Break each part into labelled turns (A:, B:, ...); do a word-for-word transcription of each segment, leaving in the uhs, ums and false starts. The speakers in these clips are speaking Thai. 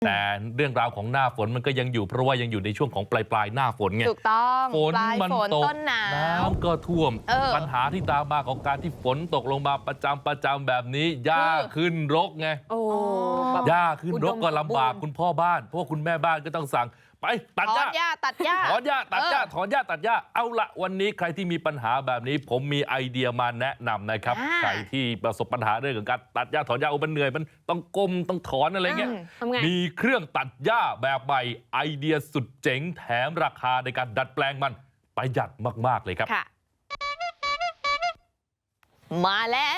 A: แต่เรื่องราวของหน้าฝนมันก็ยังอยู่เพราะว่ายังอยู่ในช่วงของปลายปลายหน้าฝนไง
B: ถูกต้อง
A: ฝน
B: ปลาย
A: มัน
B: ฝน
A: ตก
B: ต้นหนาว
A: น้ำก็ท่วม
B: เออ
A: ปัญหาที่ตามมาของการที่ฝนตกลงมาประจำประจำแบบนี้หญ้าขึ้นรกไง
C: โอ้
A: หญ้าขึ้นรกก็ลำบาก
C: อุดมสมบูรณ์
A: คุณพ่อบ้านเพราะว่าคุณแม่บ้านก็ต้องสั่งไปตัด
B: ถ
A: ห
B: อ
A: ญ้า
B: นหญ้าตัดหญ้า
A: ถอนหญ้าตัดหญ้า
B: เออ
A: ถอนหญ้าตัดหญ้าเอาละวันนี้ใครที่มีปัญหาแบบนี้ ผมมีไอเดียมาแนะนำนะครับ
B: อ่า
A: ใครที่ประสบปัญหาเรื่องของการตัดหญ้าถอนหญ้าโอ้มันเหนื่อยมันต้องก้มต้องถอนอะไรเงี้ย
B: อืม
C: ทำไง
A: มีเครื่องตัดหญ้าแบบใหม่ไอเดียสุดเจ๋งแถมราคาในการดัดแปลงมันประหยัดมากๆเลยครับ
B: ค่ะ มาแล้ว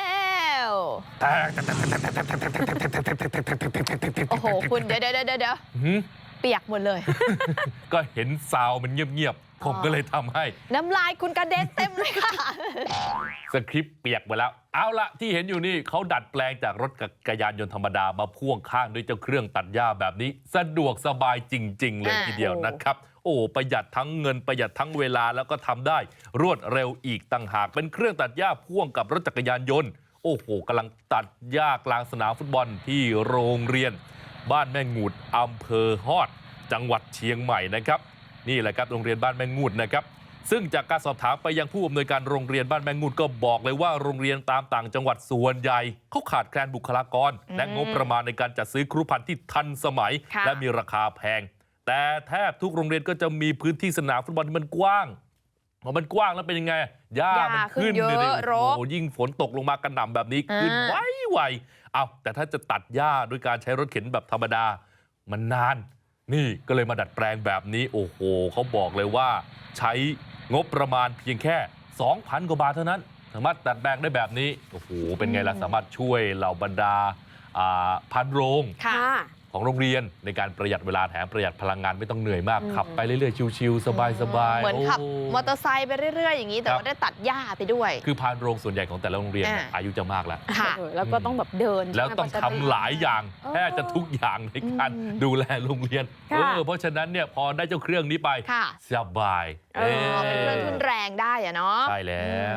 B: โอ้โห คุณเดี๋ยวเดี๋ยวเดี๋ยวเดี๋ยว
A: หืม
B: เปียกหมดเลย
A: ก็เห็นซาวมันเงียบๆ ผมก็เลยทำให้
B: น้ำลายคุณกระเด็นเต็มเลยค่ะ
A: สคริปต์เปียกหมดแล้ว เอาละที่เห็นอยู่นี่เขาดัดแปลงจากรถจักรยานยนต์ธรรมดามาพ่วงข้างด้วยเจ้าเครื่องตัดหญ้าแบบนี้ สะดวกสบายจริง ๆ เลย
B: อ่า
A: ทีเดียวนะครับ โอ้ประหยัดทั้งเงินประหยัดทั้งเวลาแล้วก็ทำได้รวดเร็วอีกต่างหากเป็นเครื่องตัดหญ้าพ่วงกับรถจักรยานยนต์ โอ้โหกำลังตัดหญ้ากลางสนามฟุตบอลที่โรงเรียน บ้านแม่งูดอำเภอฮอด จังหวัดเชียงใหม่นะครับ นี่แหละครับโรงเรียนบ้านแม่งูดนะครับ ซึ่งจากการสอบถามไปยังผู้อำนวยการโรงเรียนบ้านแมงงูดก็บอกเลยว่าโรงเรียนตามต่างจังหวัดส่วนใหญ่เขาขาดแคลนบุคลากร และงบประมาณในการจัดซื้อครูพันธุ์ที่ทันสมัย
B: ค่ะ
A: และมีราคาแพง แต่แทบทุกโรงเรียนก็จะมีพื้นที่สนามฟุตบอลที่มันกว้างพอมันกว้างแล้วเป็นยังไงหญ้า
B: หญ้า
A: มันขึ้น
B: ขึ้นเยอะ
A: เลย
B: ร
A: โอ้
B: ก
A: โหยิ่งฝนตกลงมากระหน่ำแบบนี้ขึ้น
B: อ่า
A: ไวไวๆเอาแต่ถ้าจะตัดหญ้าด้วยการใช้รถเข็นแบบธรรมดา มันนาน นี่ก็เลยมาดัดแปลงแบบนี้ โอ้โหเขาบอกเลยว่า ใช้งบประมาณเพียงแค่ สองพัน กว่าบาทเท่านั้น สามารถดัดแปลงได้แบบนี้ โอ้โห เป็นไงล่ะ สามารถช่วยเหล่าบรรดาอ่าพันโรง
B: ค่ะ
A: ของโรงเรียนในการประหยัดเวลาแถมประหยัดพลังงานไม่ต้องเหนื่อยมาก
C: อืม
A: ขับไปเรื่อยๆ ชิวๆ สบายๆ
B: เหมือนขับ
A: โ
B: มอเตอร์ไซค์ไปเรื่อย ๆ อย่างนี้ แต่
A: ครับ
B: ว่าได้ตัดหญ้าไปด้วย
A: คือพานโรงส่วนใหญ่ของแต่ละโรงเรียนเนี่ย
B: อ่า
A: อายุจะมากแล้ว
B: ค่ะ
C: เออแล้วก็ต้องแบบเดิน
A: แล้ว
C: ใช่ไม
A: ต้อง
C: กว่าจะ
A: ทำหลายอย่าง
C: เออ
A: แทบจะทุกอย่างในการ
B: อืม
A: ดูแลโรงเรียน
C: ค่ะ
A: เออเพราะฉะนั้นเนี่ยพอได้เจ้าเครื่องนี้ไป
B: ค่ะ
A: สบาย
B: เออเป็นเครื่องทุนแรงได้อะเนาะ
A: ใช่แล้ว